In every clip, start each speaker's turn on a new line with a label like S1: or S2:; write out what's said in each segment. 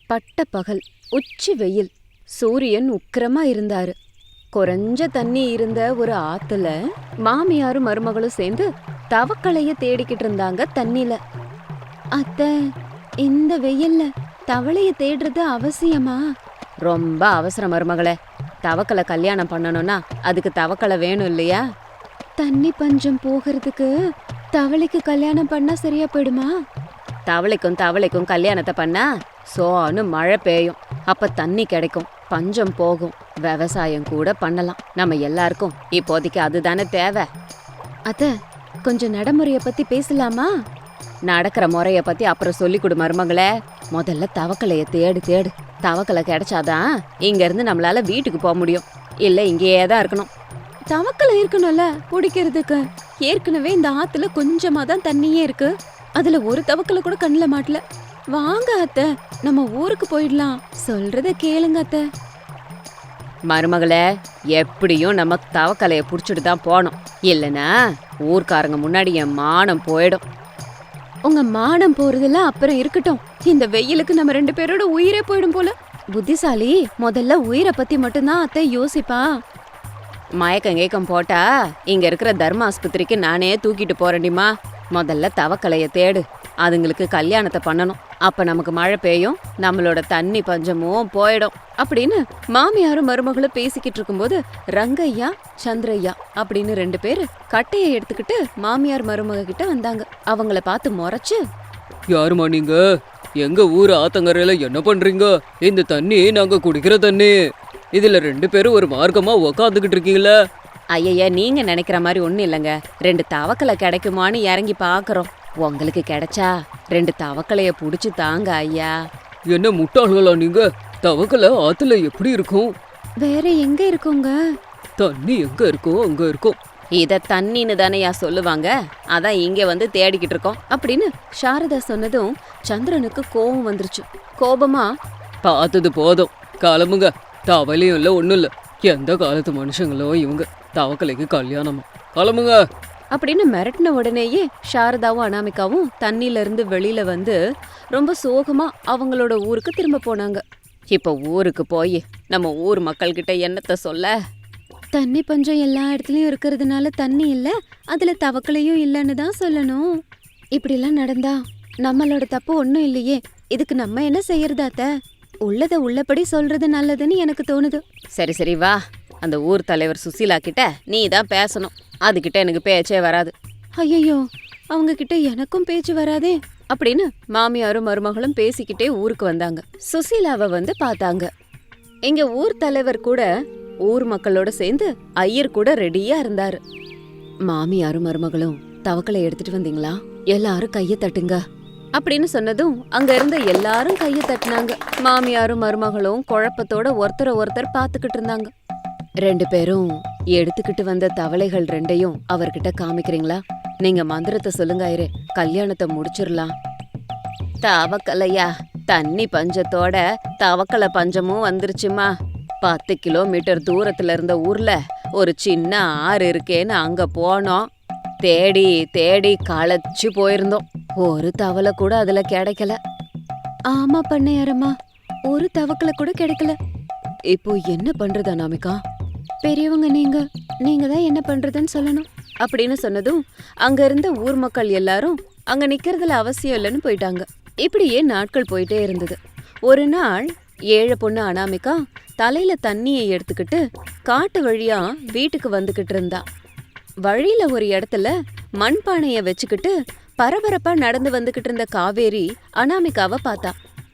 S1: பட்ட பகல், உச்சி வெயில், சூரியன் உக்கிரமா இருந்தாரு. குறைஞ்ச தண்ணி இருந்த ஒரு ஆத்துல மாமியாரும் மருமகளும் சேர்ந்து தவக்களைய தேடிக்கிட்டு இருந்தாங்க தண்ணில. அத்தை, இந்த வெயில்ல தவளைய தேடுறது அவசியமா? ரொம்ப அவசரம் மருமகளே. தவக்கலை கல்யாணம் பண்ணணும்னா அதுக்கு தவக்கலை வேணும் இல்லையா? தண்ணி பஞ்சம் போகிறதுக்கு தவளைக்கு கல்யாணம் பண்ணா சரியா போயிடுமா? தவளைக்கும் கல்யாணத்தை பண்ணா சோன்னு மழை பெய்யும். அப்ப தண்ணி கிடைக்கும், பஞ்சம் போகும், விவசாயம் கூட பண்ணலாம். நம்ம எல்லாருக்கும் இப்போதைக்கு அதுதானே தேவை. அத்த, கொஞ்சம் நடைமுறைய பத்தி பேசலாமா? நடக்கிற முறைய பத்தி அப்புறம் சொல்லி கொடு மருமகளே. முதல்ல தவக்கலைய தேடு. தவக்கலை கிடைச்சாதான் இங்க இருந்து நம்மளால வீட்டுக்கு போக முடியும். இல்ல இங்கேயே தான் இருக்கணும். தவக்கலை இருக்கணும்ல குடிக்கிறதுக்கு. ஏற்கனவே இந்த ஆத்துல கொஞ்சமா தான் தண்ணியே இருக்கு. அதுல ஒரு தவக்கலை கூட கண்ணுல மாட்டல. வாங்க அத்தை, நம்ம ஊருக்கு போயிடலாம். சொல்றத கேளுங்க அத்தை. மருமகளே, எப்படியும் நம்ம தவக்கலைய புடிச்சிட்டு தான் போனோம். இல்லனா ஊர்க்காரங்க முன்னாடி என் மானம் போயிடும். உங்க மானம் போறதெல்லாம் அப்புறம் இருக்கட்டும். இந்த வெயிலுக்கு நம்ம 2 பேரோட உயிரே போயிடும் போல. புத்திசாலி முதல்ல உயிரை பத்தி மட்டும்தான் அத்தை யோசிப்பா. மயக்கம் போட்டா இங்க இருக்கிற தர்ம ஆஸ்பத்திரிக்கு நானே தூக்கிட்டு போறேன்டிமா. முதல்ல தவக்கலைய தேடு. அதுங்களுக்கு கல்யாணத்தை பண்ணணும். அப்ப நமக்கு மழை பெய்யும், நம்மளோட தண்ணி பஞ்சமும் போயிடும் அப்படின்னு மாமியாரும் மருமகளும் பேசிக்கிட்டு இருக்கும்போது ரங்கையா சந்திரையா அப்படின்னு 2 பேரு கட்டையை எடுத்துக்கிட்டு மாமியார் மருமக கிட்ட வந்தாங்க. அவங்கள பார்த்து முறைச்சு,
S2: யாருமா நீங்க? எங்க ஊர் ஆத்தங்கரையில என்ன பண்றீங்க? இந்த தண்ணி நாங்க குடிக்கிற தண்ணி. இதுல 2 பேரும் ஒரு மார்க்கமா உக்காந்துக்கிட்டு இருக்கீங்களா?
S1: ஐய, நீங்க நினைக்கிற மாதிரி ஒண்ணும் இல்லைங்க. 2 தவக்கலை கிடைக்குமான்னு இறங்கி பாக்குறோம். உங்களுக்கு கிடைச்சா 2 தவக்கலைய புடிச்சு தாங்க ஐயா.
S2: என்ன முட்டாள்களா நீங்க? தவக்கலை ஆத்துல எப்படி இருக்கும்?
S1: வேற எங்க இருக்குங்க?
S2: தண்ணி எங்க இருக்கோ அங்க இருக்கும்.
S1: இத தண்ணின்னு தானேயா சொல்லுவாங்க. அதான் இங்க வந்து தேடிக்கிட்டு இருக்கோம் அப்படின்னு சாரதா சொன்னதும் சந்திரனுக்கு கோபம் வந்துருச்சு. கோபமா,
S2: பார்த்தது போதும், கிளம்புங்க. தவலையும் இல்ல ஒண்ணும் இல்ல. எந்த காலத்து மனுஷங்களோ இவங்க. தவக்கலைக்கு கல்யாணமா? கிளம்புங்க
S1: அப்படின்னு மிரட்டின உடனேயே சாரதாவும் அனாமிகாவும் தண்ணில இருந்து வெளியில வந்து ரொம்ப சோகமா அவங்களோட ஊருக்கு திரும்ப போனாங்க. இப்ப ஊருக்கு போய் நம்ம ஊர் மக்கள் கிட்ட என்னத்த சொல்ல? தண்ணி பஞ்சம் எல்லா இடத்துலயும் இருக்கிறதுனால தண்ணி இல்ல, அதுல தவக்கலையும் இல்லன்னு தான் சொல்லணும். இப்படி எல்லாம் நடந்தா நம்மளோட தப்பு ஒண்ணும் இல்லையே. இதுக்கு நம்ம என்ன செய்யறதாத்த? உள்ளத உள்ளபடி சொல்றது நல்லதுன்னு எனக்கு தோணுது. சரி வா, அந்த ஊர் தலைவர் சுசீலா கிட்ட நீ தான் பேசணும். அதுகிட்ட எனக்கு பேச்சே வராது. ஐயோ, அவங்க கிட்ட எனக்கும் பேச்சு வராதே அப்படின்னு மாமியாரும் மருமகளும் பேசிக்கிட்டே ஊருக்கு வந்தாங்க. சுசீலாவை வந்து பார்த்தாங்க. எங்க ஊர் தலைவர் கூட ஊர் மக்களோட சேர்ந்து ஐயர் கூட ரெடியா இருந்தாரு. மாமியாரும் மருமகளும் தவக்கலை எடுத்துட்டு வந்தீங்களா? எல்லாரும் கைய தட்டுங்க அப்படின்னு சொன்னதும் அங்க இருந்த எல்லாரும் கைய தட்டினாங்க. மாமியாரும் மருமகளும் குழப்பத்தோட ஒருத்தரை பாத்துக்கிட்டு இருந்தாங்க. 2 பேரும் எடுத்துக்கிட்டு வந்த தவளைகள் 2ஐயும் அவர்கிட்ட காமிக்கிறீங்களா? நீங்க மந்திரத்தை சொல்லுங்க ஐயரே, கல்யாணத்தை முடிச்சிடலாம். தவக்கலையா? தண்ணி பஞ்சத்தோட தவக்கலை பஞ்சமும் வந்துருச்சுமா. 10 கிலோமீட்டர் தூரத்துல இருந்த ஊர்ல ஒரு சின்ன ஆறு இருக்கேன்னு அங்க போனோம். தேடி களைச்சு போயிருந்தோம். ஒரு தவளை கூட அதுல கிடைக்கல. ஆமா பண்ணையாரம்மா, ஒரு தவக்கலை கூட கிடைக்கல. இப்போ என்ன பண்றது அனாமிகா? பெரியவங்க நீங்க தான் என்ன பண்றதுன்னு சொல்லணும் அப்படின்னு சொன்னதும் அங்க இருந்த ஊர் மக்கள் எல்லாரும் அங்க நிக்கிறதுல அவசியம் இல்லைன்னு போயிட்டாங்க. இப்படியே நாட்கள் போயிட்டே இருந்தது. ஒரு நாள் ஏழை பொண்ணு அனாமிகா தலையில தண்ணியை எடுத்துக்கிட்டு காட்டு வழியா வீட்டுக்கு வந்துகிட்டு இருந்தா. வழியில ஒரு இடத்துல மண்பானைய வச்சுக்கிட்டு பரபரப்பா நடந்து வந்துகிட்டு இருந்த காவேரி அனாமிகாவை பார்த்தா.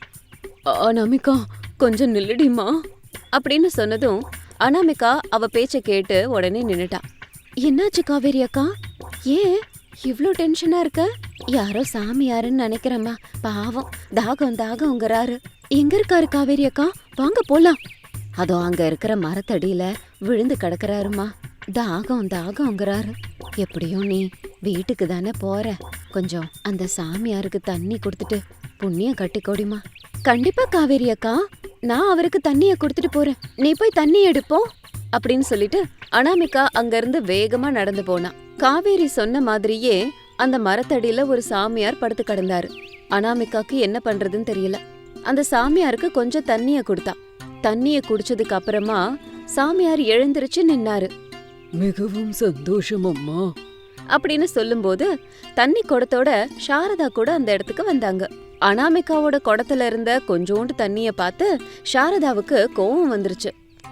S1: அனாமிகா, கொஞ்சம் நில்லுடிமா அப்படின்னு சொன்னதும் அனாமிகா அவ பேச்ச கேட்டு உடனே நின்னுட்டா. என்னாச்சு காவேரி அக்கா? ஏன் இவ்ளோ டென்ஷனா இருக்க? யாரோ சாமியாருன்னு நினைக்கிறேம்மா. பாவம், தாகம்ங்கிறாரு. எங்க இருக்காரு காவேரி அக்கா? வாங்க போலாம். அதோ அங்க இருக்கிற மரத்தடியில விழுந்து கிடக்குறாருமா. தாகம்ங்கிறாரு. எப்படியும் நீ வீட்டுக்கு தானே போற, கொஞ்சம் அந்த சாமியாருக்கு தண்ணி கொடுத்துட்டு புண்ணியம் கட்டிக்கோடிமா. கண்டிப்பா காவேரி அக்கா, நான் அவருக்கு தண்ணிய கொடுத்துட்டு போறேன். நீ போய் தண்ணி எடுப்போம் அப்படின்னு சொல்லிட்டு அனாமிகா அங்க இருந்து வேகமா நடந்து போனா. காவேரி சொன்ன மாதிரியே அந்த மரத்தடியில ஒரு சாமியார் படுத்து கிடந்தாரு. அனாமிகாக்கு என்ன பண்றதுன்னு தெரியல. அந்த சாமியாருக்கு கொஞ்சம் தண்ணிய கொடுத்தா. தண்ணிய குடிச்சதுக்கு அப்புறமா சாமியார் எழுந்திருச்சு நின்னாரு.
S2: மிகவும் சந்தோஷம் அம்மா.
S1: அப்படின்னு சொல்லும்போது தண்ணி குடத்தோட சாரதா கூட அந்த இடத்துக்கு வந்தாங்க. அனாமிகாவோட குடத்துல இருந்த கொஞ்சோண்டு தண்ணிய பார்த்து சாரதாவுக்கு கோவம் வந்துருச்சு.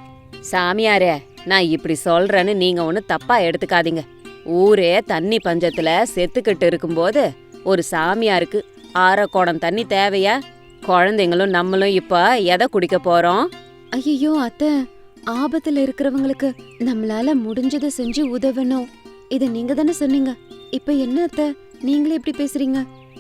S1: சாமியாரே, நான் இப்படி சொல்றேன்னு நீங்க ஒண்ணு தப்பா எடுத்துக்காதீங்க. ஊரே தண்ணி பஞ்சத்துல செத்துக்கிட்டு இருக்கும்போது ஒரு சாமியாருக்கு அரை குடம் தண்ணி தேவையா? குழந்தைங்களும் நம்மளும் இப்ப எதை குடிக்க போறோம்? ஐயோ அத்தை, ஆபத்துல இருக்கிறவங்களுக்கு நம்மளால முடிஞ்சதை செஞ்சு உதவணும். இத நீங்க தானே சொன்னீங்க. இப்ப என்ன அத்தை, நீங்களே இப்படி பேசுறீங்க?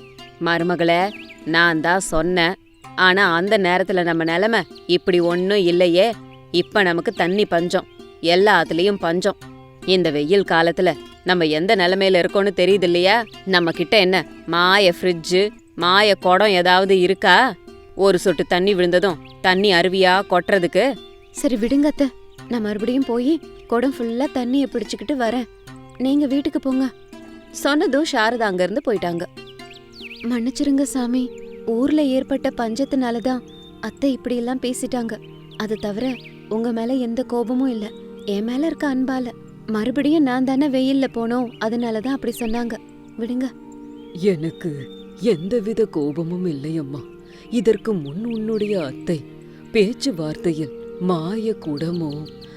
S1: மருமகளே, நான் தான் சொன்னேன். ஆனா அந்த நேரத்துல நம்ம நிலைமை இப்படி ஒன்னும் இல்லையே. இப்ப நமக்கு தண்ணி பஞ்சம், எல்லாத்துலயும் பஞ்சம். இந்த வெயில் காலத்துல நம்ம எந்த நிலைமையில இருக்கோம்னு தெரியுது இல்லையா? நம்ம கிட்ட என்ன மாய ஃப்ரிட்ஜு, மாய குடம் ஏதாவது இருக்கா? ஒரு சொட்டு தண்ணி விழுந்ததும் தண்ணி அருவியா கொட்டுறதுக்கு. சரி விடுங்க அத்தை, நான் மறுபடியும் போய் குடம் ஃபுல்லா தண்ணிய பிடிச்சுக்கிட்டு வரேன். நீங்க வீட்டுக்கு போங்க. சொன்னதும் சாரதா அங்க இருந்து போயிட்டாங்க. மன்னிச்சிருங்க சாமி, ஊர்ல ஏற்பட்ட பஞ்சத்தினாலதான் அத்தை இப்படி எல்லாம் பேசிட்டாங்க. அது தவிர உங்க மேல எந்த கோபமும் இல்ல, என் மேல இருக்க அன்பால. மறுபடியும் நான் தானே வெயில்ல போனோம், அதனாலதான் அப்படி சொன்னாங்க. விடுங்க.
S2: எனக்கு எந்தவித கோபமும் இல்லையம்மா. இதற்கு முன் உன்னுடைய அத்தை பேச்சுவார்த்தையில் மாய குடமோ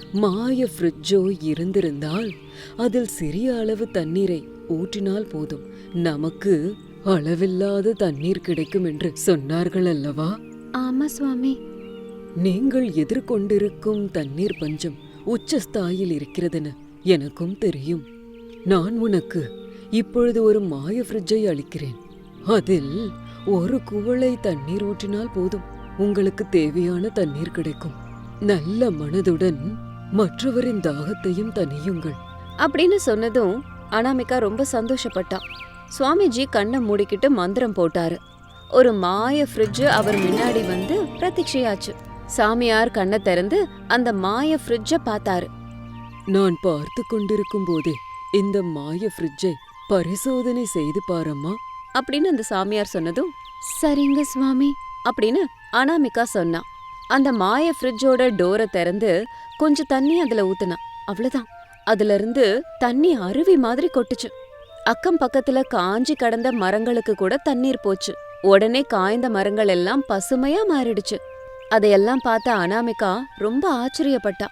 S2: மாய ஃப்ரிட்ஜோ இருந்திருந்தால் அதில் சிறிய அளவு தண்ணீரை ஊற்றினால் போதும், நமக்கு அளவில்லாத தண்ணீர் கிடைக்கும் என்று சொன்னார்கள் அல்லவா?
S1: ஆமா சுவாமி.
S2: நீங்கள் எதிர்கொண்டிருக்கும் தண்ணீர் பஞ்சம் உச்சஸ்தாயில் இருக்கிறதென எனக்கும் தெரியும். நான் உனக்கு இப்பொழுது ஒரு மாய ஃப்ரிட்ஜை அளிக்கிறேன். அதில் ஒரு குவளை தண்ணீர் ஊற்றினால் போதும், உங்களுக்கு தேவையான தண்ணீர் கிடைக்கும். நல்ல மனதுடன் மற்றவரின் தாகத்தையும் தணியுங்கள்
S1: அப்படின்னு சொன்னதும் அனாமிகா ரொம்ப சந்தோஷப்பட்டா. சுவாமிஜி கண்ணை மூடிக்கிட்டு மந்திரம் போட்டாரு. ஒரு மாய ஃப்ரிட்ஜ் அவர் முன்னாடி வந்து பிரத்யட்சையாச்சு. சாமியார் கண்ணை திறந்து அந்த மாய ஃப்ரிட்ஜை பார்த்தாரு.
S2: நான் பார்த்து கொண்டிருக்கும் போதே இந்த மாய ஃப்ரிட்ஜை பரிசோதனை செய்து பாரம்மா
S1: அப்படின்னு அந்த சாமியார் சொன்னதும் சரிங்க சுவாமி அப்படின்னு அனாமிகா சொன்னா. அந்த மாய ஃப்ரிட்ஜோட டோரை திறந்து கொஞ்சம் தண்ணி அதுல ஊத்துனா. அவ்வளவுதான், அதுல இருந்து தண்ணி அருவி மாதிரி கொட்டுச்சு. அக்கம் பக்கத்துல காஞ்சி கடந்த மரங்களுக்கு கூட தண்ணீர் போச்சு. உடனே காய்ந்த மரங்கள் எல்லாம் பசுமையா மாறிடுச்சு. அதையெல்லாம் பார்த்த அனாமிகா ரொம்ப ஆச்சரியப்பட்டா.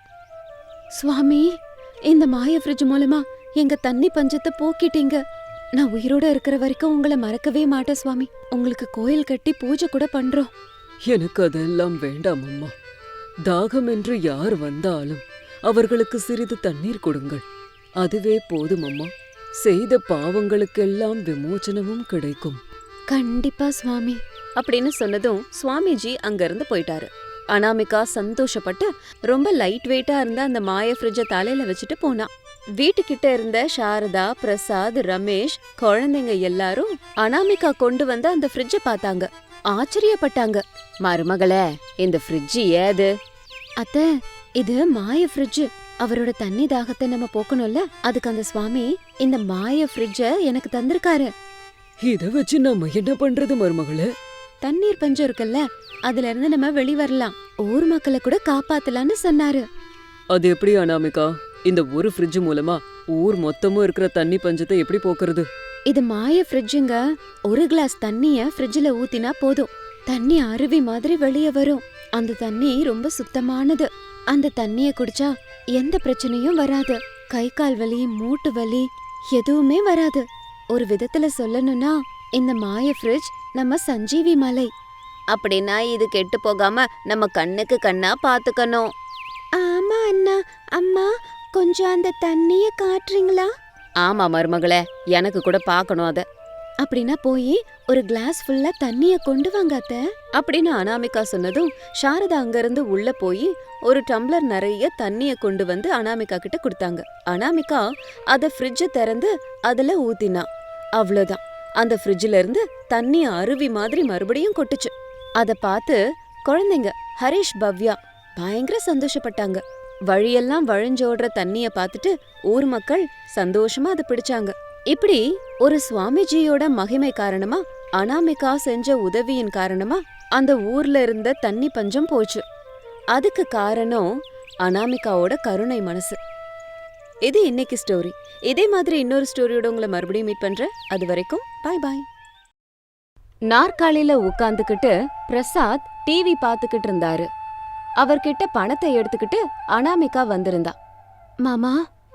S1: சுவாமி, இந்த மாய ஃப்ரிட்ஜ் மூலமா எங்க தண்ணி பஞ்சத்தை போக்கிட்டீங்க. நான் உயிரோட இருக்கிற வரைக்கும் உங்களை மறக்கவே மாட்டேன் சுவாமி. உங்களுக்கு கோயில் கட்டி பூஜை கூட பண்றோம்.
S2: எனக்கு அதெல்லாம் வேண்டாம் அம்மா. தாகம் என்று யார் வந்தாலும் அவர்களுக்கு சிறிது தண்ணீர் கொடுங்கள், அதுவே போதும் அம்மா. செய்த பாவங்களுக்கெல்லாம் விமோச்சனமும் கிடைக்கும்.
S1: கண்டிப்பா சுவாமி அப்படின்னு சொன்னதும் சுவாமிஜி அங்க இருந்து போயிட்டாரு. அனாமிகா சந்தோஷப்பட்டு ரொம்ப லைட் வெயிட்டா இருந்த அந்த மாய ஃப்ரிட்ஜை தலையில வச்சுட்டு போனா. வீட்டுக்கிட்ட இருந்த சாரதா, பிரசாத், ரமேஷ், குழந்தைங்க எல்லாரும் அனாமிகா கொண்டு வந்த அந்த ஃப்ரிட்ஜை பார்த்தாங்க. ஆச்சரியப்பட்டாங்க. மருமகளே, இந்த ஃப்ரிட்ஜ் ஏது? அத்தை, இது மாய ஃப்ரிட்ஜ். அவரோட தண்ணி தாகத்தை நம்ம போக்கணும்ல, அதுக்கு அந்த சுவாமி இந்த மாய ஃப்ரிட்ஜ எனக்கு தந்திருக்காரு.
S2: இத வச்சு நம்ம என்ன பண்றது மருமகளே?
S1: தண்ணீர் பஞ்சம் இருக்குல்ல, அதுல இருந்து நம்ம வெளி வரலாம், ஊர் மக்களை கூட காப்பாத்தலாம்னு சொன்னாரு.
S2: அது எப்படி அனாமிகா? இந்த ஒரு ஃப்ரிட்ஜ் மூலமா ஊர் மொத்தமும் இருக்கிற தண்ணி பஞ்சத்தை எப்படி போக்குறது?
S1: இது மாய ஃப்ரிட்ஜுங்க. ஒரு கிளாஸ் தண்ணிய ஃப்ரிட்ஜ்ல ஊத்தினா போதும், தண்ணி அருவி மாதிரி வெளியே வரும். அந்த தண்ணி ரொம்ப சுத்தமானது. அந்த தண்ணிய குடிச்சா எந்த பிரச்சனையும் வராது. கை கால் வலி, மூட்டு வலி எதுவுமே வராது. ஒரு விதத்துல சொல்லணும்னா இந்த மாய ஃப்ரிட்ஜ் நம்ம சஞ்சீவி மலை. அப்படின்னா இது கெட்டு போகாம நம்ம கண்ணுக்கு கண்ணா பாத்துக்கணும். ஆமா அண்ணா. அம்மா, கொஞ்சம் அந்த தண்ணிய காட்டுறீங்களா? ஆமா மருமகளே, எனக்கு கூட பாக்கணும் அத. அப்படின்னா போய் ஒரு கிளாஸ் ஃபுல்லா தண்ணிய கொண்டு வாங்க அத்தை அப்படின்னு அனாமிகா சொன்னதும் சாரதா அங்க இருந்து உள்ள போய் ஒரு டம்ளர் நிறைய தண்ணிய கொண்டு வந்து அனாமிகா கிட்ட கொடுத்தாங்க. அனாமிகா அத ஃப்ரிட்ஜ திறந்து அதுல ஊத்தினா. அவ்வளவுதான், அந்த ஃப்ரிட்ஜ்ல இருந்து தண்ணி அருவி மாதிரி மறுபடியும் கொட்டுச்சு. அத பார்த்து குழந்தைங்க ஹரிஷ், பவ்யா பயங்கர சந்தோஷப்பட்டாங்க. வழியெல்லாம் வழிஞ்சோடுற தண்ணிய பார்த்துட்டு ஊர் மக்கள் சந்தோஷமா அதை பிடிச்சாங்க. இப்படி ஒரு சுவாமிஜியோட மகிமை காரணமா, அனாமிகா செஞ்ச உதவியின் காரணமா அந்த ஊர்ல இருந்த தண்ணி பஞ்சம் போச்சு. அதுக்கு காரணம் அனாமிகாவோட கருணை மனசு. இது இன்னைக்கு ஸ்டோரி. இதே மாதிரி இன்னொரு ஸ்டோரியோட உங்களை மறுபடியும் மீட் பண்றேன். அது வரைக்கும் பாய் பாய். நாற்காலியில உட்காந்துக்கிட்டு பிரசாத் டிவி பார்த்துக்கிட்டு இருந்தாரு. அவர்கிட்ட பணத்தை எடுத்துக்கிட்டு அனாமிகா வந்திருந்தா. மாமா,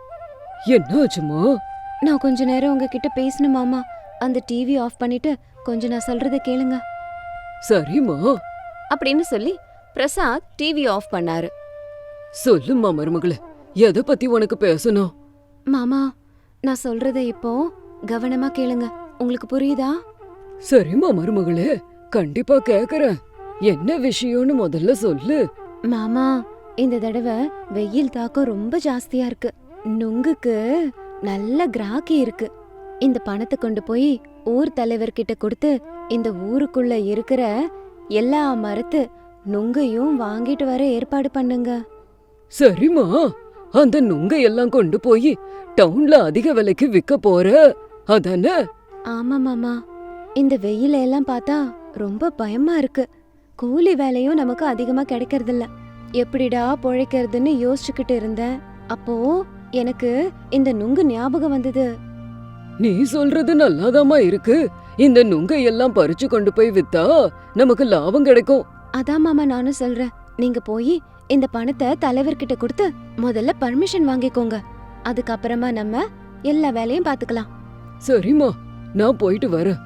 S2: என்னாச்சுமா?
S1: நான் கொஞ்ச நேரம் உங்ககிட்ட பேசணும் மாமா. அந்த டிவி ஆஃப் பண்ணிட்டு கொஞ்சம் நான் சொல்றத கேளுங்க
S2: சரிம்மா.
S1: அப்படின்னு சொல்லி பிரசாத் டிவி ஆஃப் பண்ணாரு.
S2: சொல்லுமா மருமகளே, எதை பத்தி உனக்கு பேசணும்?
S1: மாமா, நான் சொல்றத இப்போ கவனமா கேளுங்க. உங்களுக்கு புரியுதா?
S2: சரிம்மா மருமகளே, கண்டிப்பா கேக்குறேன். என்ன விஷயம்னு முதல்ல சொல்லு.
S1: மாமா, இந்த தடவை வெயில் தாக்கம் ரொம்ப ஜாஸ்தியா இருக்கு. நுங்குக்கு நல்ல கிராக்கி இருக்கு. இந்த பணத்தை கொண்டு போய் ஊர் தலைவர்கிட்ட கொடுத்து இந்த ஊருக்குள்ள இருக்கிற எல்லா மரத்து நுங்கையும் வாங்கிட்டு வர ஏற்பாடு பண்ணுங்க.
S2: சரிம்மா, அந்த நுங்கை எல்லாம் கொண்டு போய் டவுன்ல அதிக விலைக்கு விக்க போற அதானே?
S1: ஆமா மாமா, இந்த வெயில எல்லாம் பார்த்தா ரொம்ப பயமா இருக்கு. கூலி வேலையும் நமக்கு அதிகமா கிடைக்கறதில்ல. எப்படிடா பொழைக்கிறதுன்னு யோசிச்சுக்கிட்டு இருந்தேன். அப்போ எனக்கு இந்த நுங்கு ஞாபகம் வந்தது.
S2: நீ சொல்றது நல்லாதாம்மா இருக்கு. இந்த நுங்கை எல்லாம் பறிச்சு கொண்டு போய் வித்தா நமக்கு லாபம் கிடைக்கும்.
S1: அதான் மாமா நானும் சொல்றேன். நீங்க போய் இந்த பணத்தை தலைவர்கிட்ட கொடுத்து முதல்ல பர்மிஷன் வாங்கிக்கோங்க. அதுக்கப்புறமா நம்ம எல்லா வேலையும் பாத்துக்கலாம்.
S2: சரிம்மா, நான் போயிட்டு வரேன்.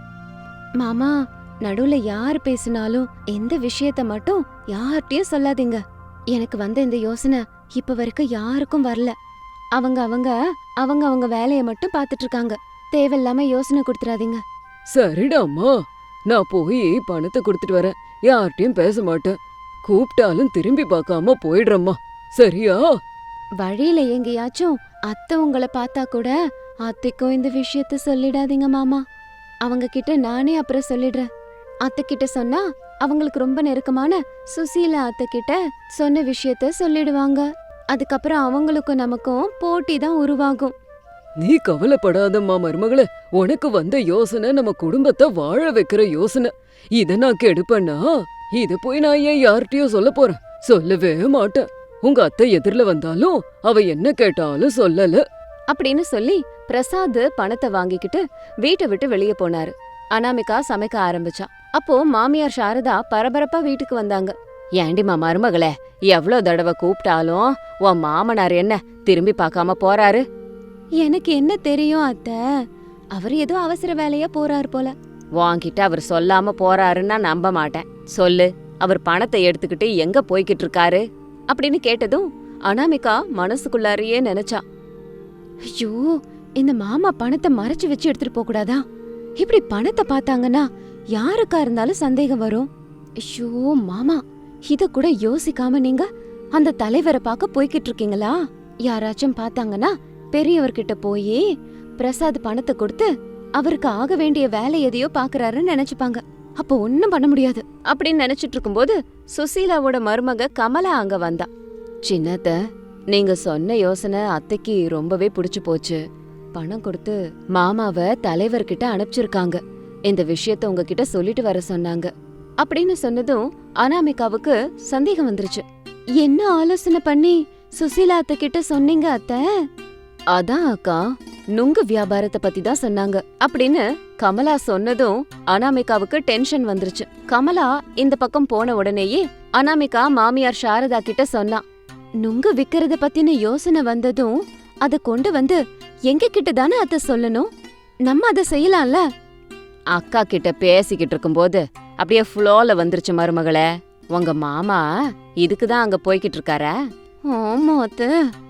S1: மாமா, நடுவுல யார் பேசினாலும் எந்த விஷயத்த மட்டும் யார்கிட்டயும் சொல்லாதீங்க. எனக்கு வந்த இந்த யோசனை இப்ப வரைக்கும் யாருக்கும் வரல. அவங்க அவங்க அவங்க அவங்க வேலைய மட்டும் பாத்துட்டு இருக்காங்க. தேவையில்லாம யோசனை கொடுத்துறாதீங்க.
S2: சரிடாம்மா, நான் போய் பணத்தை கொடுத்துட்டு வரேன். யார்கிட்டயும் பேச மாட்டேன். கூப்பிட்டாலும் திரும்பி பார்க்காம போயிடுறம்மா, சரியா?
S1: வழியில எங்கேயாச்சும் அத்தை உங்களை பார்த்தா கூட அத்தைக்கும் இந்த விஷயத்த சொல்லிடாதீங்க மாமா. அவங்க கிட்ட நானே அப்புறம் சொல்லிடுறேன். அத்தை கிட்ட சொன்னா அவங்களுக்கு ரொம்ப நெருக்கமான சுசீலா அத்தை கிட்ட சொன்ன விஷயத்த சொல்லிடுவாங்க. அதுக்கப்புறம் அவங்களுக்கும் நமக்கும் போட்டி தான் உருவாகும்.
S2: நீ கவலைப்படாதம்மா மருமகளே, உனக்கு வந்த யோசனை நம்ம குடும்பத்தை வாழ வைக்கிற யோசனை. இத நான் கெடுப்பேனா? இத போய் நான் ஏன் யார்கிட்டயும் சொல்ல போறேன்? சொல்லவே மாட்டேன். உங்க அத்தை எதிரில வந்தாலும் அவ என்ன கேட்டாலும் சொல்லல
S1: அப்படின்னு சொல்லி பிரசாத் பணத்தை வாங்கிக்கிட்டு வீட்டை விட்டு வெளியே போனாரு. அனாமிகா சமைக்க ஆரம்பிச்சா. அப்போ மாமியார் சாரதா பரபரப்பா வீட்டுக்கு வந்தாங்க. ஏண்டிமா மருமகளே, எவ்ளோ தடவை கூப்பிட்டாலும் உன் மாமனார் என்ன திரும்பி பார்க்காம போறாரு? எனக்கு என்ன தெரியும் அத்தை, அவர் ஏதோ அவசர வேலையா போறாரு போல. வாங்கிட்டு அவர் சொல்லாம போறாருன்னா நம்ப மாட்டேன். சொல்லு, அவர் பணத்தை எடுத்துக்கிட்டு எங்க போய்கிட்டு இருக்காரு அப்படின்னு கேட்டதும் அனாமிகா மனசுக்குள்ளாரையே நினைச்சா, ஐயோ, இந்த மாமா பணத்தை மறைச்சு வச்சு எடுத்துட்டு போக கூடாதா? இப்படி பணத்தை பார்த்தாங்கன்னா யாருக்கா இருந்தாலும் சந்தேகம் வரும். ஐயோ மாமா, இத கூட யோசிக்காம நீங்க அந்த தலைவரை பார்க்க போய்கிட்டு இருக்கீங்களா? யாராச்சும் பார்த்தாங்கன்னா பெரியவர்கிட்ட போய் பிரசாத் பணத்தை கொடுத்து அவருக்கு ஆக வேண்டிய வேலை எதையோ பாக்குறாருன்னு நினைச்சுப்பாங்க. அப்போ ஒன்னும் பண்ண முடியாது அப்படின்னு நினைச்சிட்டு இருக்கும்போது சுசீலாவோட மருமக கமலா அங்க வந்தா. சின்னத்த, நீங்க சொன்ன யோசனை அத்தைக்கு ரொம்பவே பிடிச்சு போச்சு. பணம் கொடுத்து மாமாவை தலைவர்கிட்ட அனுப்பிச்சிருக்காங்க. இந்த விஷயத்த உங்ககிட்ட சொல்லிட்டு வர சொன்னாங்க அப்படின்னு சொன்னதும் அனாமிகாவுக்கு சந்தேகம் வந்துருச்சு. என்ன ஆலோசனை பண்ணி சுசீலா அத்தை கிட்ட சொன்னீங்க அத்தை? அதான் அக்கா, நுங்கு வியாபாரத்தை பத்தி தான் சொன்னாங்க அப்படின்னு கமலா சொன்னதும் அனாமிகாவுக்கு டென்ஷன் வந்துருச்சு. கமலா இந்த பக்கம் போன உடனேயே அனாமிகா மாமியார் சாரதா கிட்ட சொன்னா, நுங்கு விக்கிறத பத்தின யோசனை வந்ததும் அத கொண்டு வந்து எங்க கிட்ட தானே அத்தை சொல்லணும். நம்ம அதை செய்யலாம்ல. அக்கா கிட்ட பேசிக்கிட்டு இருக்கும்போது அப்படியே ஃப்ளோல வந்துருச்சு மருமகளே. உங்க மாமா இதுக்குதான் அங்க போய்கிட்டு இருக்காரா? ஆமா அத்தை,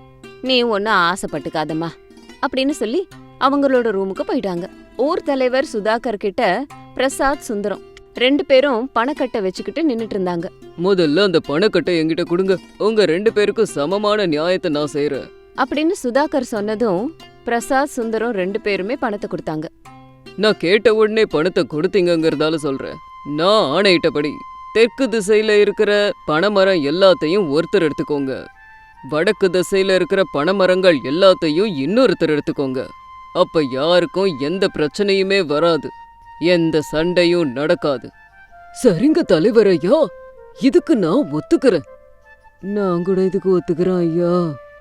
S1: நீ ஒன்னும் ஆசைப்பட்டுக்காதம்மா அப்படின்னு சொல்லி அவங்களோட ரூமுக்கு போயிட்டாங்க. ஊர் தலைவர் சுதாகர் கிட்ட பிரசாத் சுந்தரம் 2 பேரும் பணக்கட்டை வச்சுக்கிட்டு நின்னுட்டு இருந்தாங்க.
S2: முதல்ல அந்த பணக்கட்டை என்கிட்ட கொடுங்க. உங்க 2 பேருக்கும் சமமான நியாயத்தை நான் செய்யறேன்
S1: அப்படின்னு சுதாகர் சொன்னதும் பிரசாத் சுந்தரம் 2 பேருமே பணத்தை கொடுத்தாங்க.
S2: நான் கேட்ட உடனே பணத்தை கொடுத்தீங்கங்கறதால சொல்றேன். நான் ஆணையிட்டபடி தெற்கு திசையில இருக்கிற பனைமரம் எல்லாத்தையும் ஒருத்தர் எடுத்துக்கோங்க. வடக்கு திசையில இருக்கிற பனைமரங்கள் எல்லாத்தையும் இன்னொருத்தர் எடுத்துக்கோங்க. அப்ப யாருக்கும் எந்த பிரச்சனையுமே வராது, எந்த சண்டையும் நடக்காது. சரிங்க தலைவர் ஐயா, இதுக்கு நான் ஒத்துக்கிறேன். நான் கூட இதுக்கு ஒத்துக்கிறேன் ஐயா.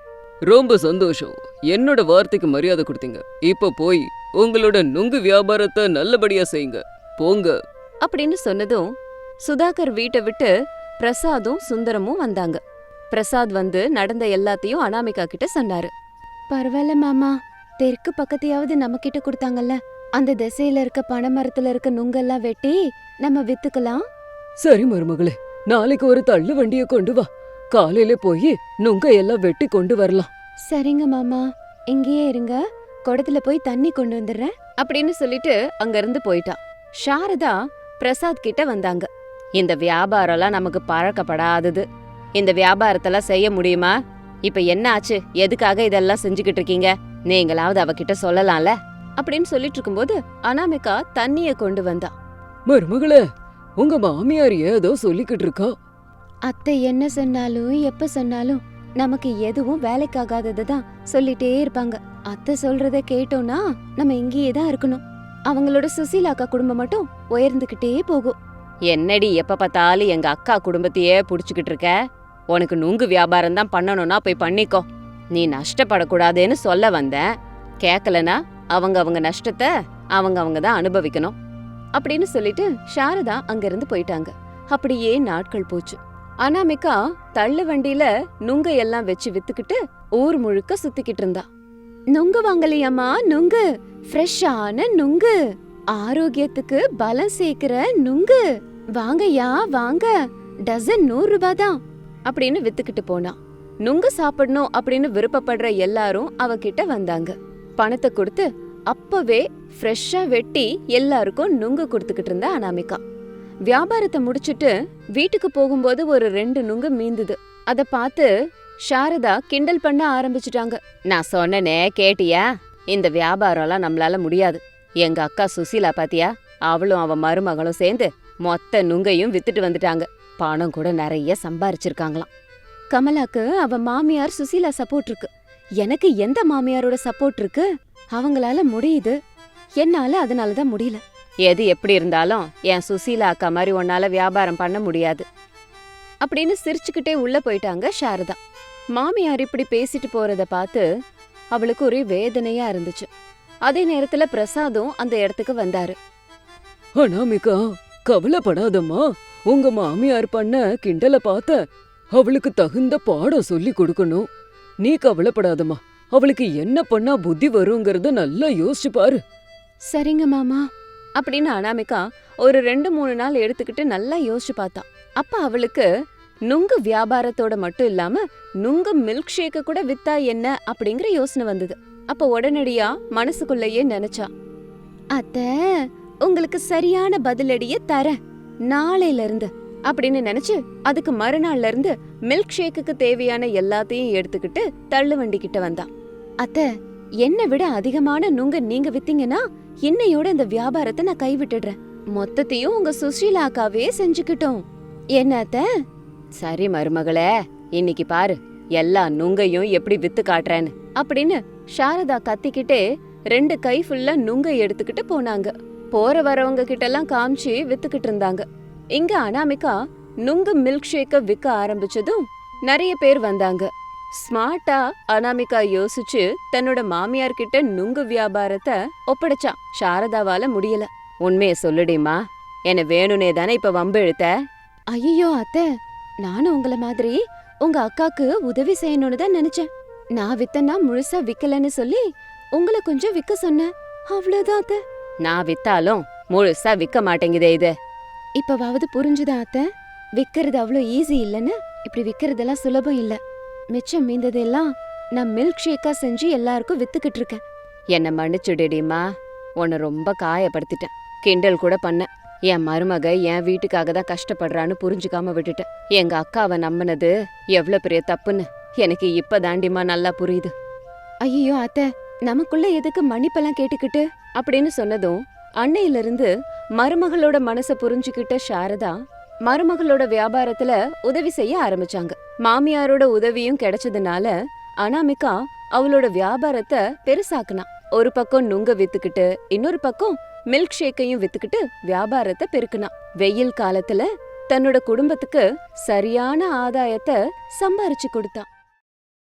S2: ரொம்ப சந்தோஷம். என்னோட வார்த்தைக்கு மரியாதை கொடுத்தீங்க. இப்ப போய் உங்களோட நுங்கு வியாபாரத்தை நல்லபடியா செய்யுங்க. போங்க.
S1: அப்படின்னு சொன்னதும் சுதாகர் வீட்டை விட்டு பிரசாதும் சுந்தரமும் வந்தாங்க. பிரசாத் வந்து நடந்த எல்லாத்தையும் அனாமிகா கிட்ட சொன்னாரு. பரவாயில்ல மாமா, தெற்கு பக்கத்தையாவது நம்ம கிட்ட கொடுத்தாங்கல்ல, அந்த திசையில இருக்க பனைமரத்துல இருக்க நுங்கெல்லாம் வெட்டி நம்ம வித்துக்கலாம்.
S2: சரி மருமகளே, நாளைக்கு ஒரு தள்ளு வண்டிய கொண்டு வா. காலையில போய் நுங்க எல்லாம் வெட்டி கொண்டு வரலாம்.
S1: சரிங்க மாமா, இங்கேயே இருங்க, குடத்துல போய் தண்ணி கொண்டு வந்துடுறேன் அப்படின்னு சொல்லிட்டு அங்க இருந்து போயிட்டா. சாரதா பிரசாத் கிட்ட வந்தாங்க. இந்த வியாபாரம்லாம் நமக்கு பழக்கப்படாதது, இந்த வியாபாரத்தெல்லாம் செய்ய முடியுமா? இப்ப என்ன ஆச்சு? எதுக்காக இதெல்லாம் செஞ்சுக்கிட்டு இருக்கீங்க? நீங்களாவது அவகிட்ட சொல்லலாம்ல அப்படின்னு சொல்லிட்டு இருக்கும்போது அனாமிகா தண்ணிய கொண்டு வந்தா.
S2: மருமகளே, உங்க மாமியார் ஏதோ சொல்லிக்கிட்டு இருக்கா.
S1: அத்தை என்ன சொன்னாலும் எப்ப சொன்னாலும் நமக்கு எதுவும் வேலைக்காகாதது தான் சொல்லிட்டே இருப்பாங்க. அத்தை சொல்றத கேட்டோம்னா நம்ம இங்கேயே தான் இருக்கணும். அவங்களோட சுசீலாக்கா குடும்பம் மட்டும் உயர்ந்துகிட்டே போகும். என்னடி எப்ப பார்த்தாலும் எங்க அக்கா குடும்பத்தையே புடிச்சுக்கிட்டு இருக்க? உனக்கு நுங்கு வியாபாரம் தான் பண்ணணும்னா போய் பண்ணிக்கோ. நீ நஷ்டப்படக்கூடாதுன்னு சொல்ல வந்தேன். கேக்கலனா அவங்க நஷ்டத்தை அவங்க தான் அனுபவிக்கணும் அப்படின்னு சொல்லிட்டு சாரதா அங்கிருந்து போயிட்டாங்க. அப்படியே நாட்கள் போச்சு. அனாமிகா தள்ளு வண்டியில நுங்க எல்லாம் வச்சு வித்துக்கிட்டு ஊர் முழுக்க சுத்திக்கிட்டு இருந்தா. நுங்கு வாங்கலையாமா? நுங்கு ஃப்ரெஷ்ஷான நுங்கு, ஆரோக்கியத்துக்கு பலம் சேர்க்கிற நுங்கு, வாங்கயா வாங்க, டசன் 100 ரூபாய் தான் அப்படின்னு வித்துக்கிட்டு போனா. நுங்கு சாப்பிடணும் அப்படின்னு விருப்பப்படுற எல்லாரும் அவகிட்ட வந்தாங்க. பணத்தை கொடுத்து அப்பவே ஃப்ரெஷ்ஷா வெட்டி எல்லாருக்கும் நுங்கு கொடுத்துக்கிட்டு இருந்தா அனாமிகா. வியாபாரத்தை முடிச்சிட்டு வீட்டுக்கு போகும்போது ஒரு 2 நுங்கு மீந்துது. அத பார்த்து சாரதா கிண்டல் பண்ண ஆரம்பிச்சுட்டாங்க. நான் சொன்னனே கேட்டியா? இந்த வியாபாரம்லாம் நம்மளால முடியாது. எங்க அக்கா சுசீலா பாத்தியா? அவளும் அவ மருமகளும் சேர்ந்து மொத்த நுங்கையும் வித்துட்டு வந்துட்டாங்க. பணம் கூட நிறைய சம்பாரிச்சிருக்காங்களாம். கமலாக்கு அவ மாமியார் சுசீலா சப்போர்ட் இருக்கு. எனக்கு எந்த மாமியாரோட சப்போர்ட் இருக்கு? அவங்களால முடியுது, என்னால அதனாலதான் முடியல. எது எப்படி இருந்தாலும் என் சுசீலா அக்கா மாதிரி உன்னால வியாபாரம் பண்ண முடியாது அப்படின்னு சிரிச்சுக்கிட்டே உள்ள போயிட்டாங்க சாரதா. மாமியார் இப்படி பேசிட்டு போறத பார்த்து அவளுக்கு ஒரே வேதனையா இருந்துச்சு. அதே நேரத்துல பிரசாதும் அந்த இடத்துக்கு வந்தாரு.
S2: அனாமிகா, கவலைப்படாதம்மா. உங்க மாமியார் பண்ண கிண்டல பார்த்த அவளுக்கு தகுந்த பாடம் சொல்லி கொடுக்கணும். நீ கவலைப்படாதம்மா. அவளுக்கு என்ன பண்ணா புத்தி வருங்கிறத நல்லா யோசிச்சு பாரு.
S1: சரிங்க மாமா அப்படின்னு அனாமிகா ஒரு 2-3 நாள் எடுத்துக்கிட்டு நல்லா யோசிச்சு பார்த்தா. அப்ப அவளுக்கு நுங்கு வியாபாரத்தோட மட்டும் இல்லாம நுங்கு மில்க் ஷேக்க கூட வித்தா என்ன அப்படிங்கிற யோசனை வந்தது. அப்ப உடனடியா மனசுக்குள்ளேயே நினைச்சா, அத்த உங்களுக்கு சரியான பதிலடிய தரேன் நாளையில இருந்து அப்படின்னு நினைச்சு அதுக்கு மறுநாள்ல இருந்து மில்க் ஷேக்குக்கு தேவையான எல்லாத்தையும் எடுத்துக்கிட்டு தள்ளு வண்டி கிட்ட வந்தா. அத்த, என்னை விட அதிகமான நுங்க நீங்க வித்தீங்கன்னா இன்னையோட இந்த வியாபாரத்தை நான் கைவிட்டுடுறேன். மொத்தத்தையும் உங்க சுஷீலா அக்காவே செஞ்சுக்கிட்டோம். என்ன அத்த? சரி மருமகளே, இன்னைக்கு பாரு எல்லா நுங்கையும் எப்படி வித்து காட்டுறேன்னு அப்படின்னு சாரதா கத்திக்கிட்டே 2 கை ஃபுல்லா நுங்கை எடுத்துக்கிட்டு போனாங்க. போற வரவங்க கிட்ட எல்லாம் காமிச்சு வித்துக்கிட்டு இருந்தாங்க. இங்க அனாமிகா நுங்கு மில்க் ஷேக்க விற்க ஆரம்பிச்சதும் நிறைய பேர் வந்தாங்க. ஸ்மார்ட்டா அனாமிகா யோசிச்சு தன்னோட மாமியார் கிட்ட நுங்கு வியாபாரத்தை ஒப்படைச்சா. சாரதாவால முடியல. உண்மைய சொல்லுடிமா, என்ன வேணுனே தானே இப்ப வம்பு இழுத்த? ஐயோ அத்தை, நானும் உங்கள மாதிரி உங்க அக்காக்கு உதவி செய்யணும்னு தான் நினைச்சேன். நான் வித்தனா முழுசா விக்கலன்னு சொல்லி உங்களை கொஞ்சம் விக்க சொன்னேன், அவ்வளவுதான் அத்தை. நான் வித்தாலும் முழுசா விக்க மாட்டேங்குதே இது. இப்பவாவது புரிஞ்சுதா அத்தை? விக்கிறது அவ்வளோ ஈஸி இல்லன்னு. இப்படி விக்கிறதெல்லாம் சுலபம் இல்ல. மிச்சம் மீந்ததெல்லாம் நான் மில்க் ஷேக்கா செஞ்சு எல்லாருக்கும் வித்துக்கிட்டு இருக்கேன். என்ன மன்னிச்சுடுடிமா, உன்னை ரொம்ப காயப்படுத்திட்டேன். கிண்டல் கூட பண்ண. என் மருமக என் வீட்டுக்காக தான் கஷ்டப்படுறான்னு புரிஞ்சுக்காம விட்டுட்டேன். எங்க அக்காவை நம்பினது எவ்வளவு பெரிய தப்புன்னு எனக்கு இப்ப தாண்டிமா நல்லா புரியுது. ஐயோ அத்தை, நமக்குள்ள எதுக்கு மன்னிப்பெல்லாம் கேட்டுக்கிட்டு அப்படின்னு சொன்னதும் அன்னையில இருந்து மருமகளோட மனச புரிஞ்சுக்கிட்ட சாரதா மருமகளோட வியாபாரத்துல உதவி செய்ய ஆரம்பிச்சாங்க. மாமியாரோட உதவியும் கிடைச்சதுனால அனாமிகா அவளோட வியாபாரத்தை பெருசாக்குனா. ஒரு பக்கம் நுங்க வித்துக்கிட்டு இன்னொரு பக்கம் மில்க் ஷேக்கையும் வித்துக்கிட்டு வியாபாரத்தை பெருக்குனான். வெயில் காலத்துல தன்னோட குடும்பத்துக்கு சரியான ஆதாயத்தை சம்பாரிச்சு கொடுத்தான்.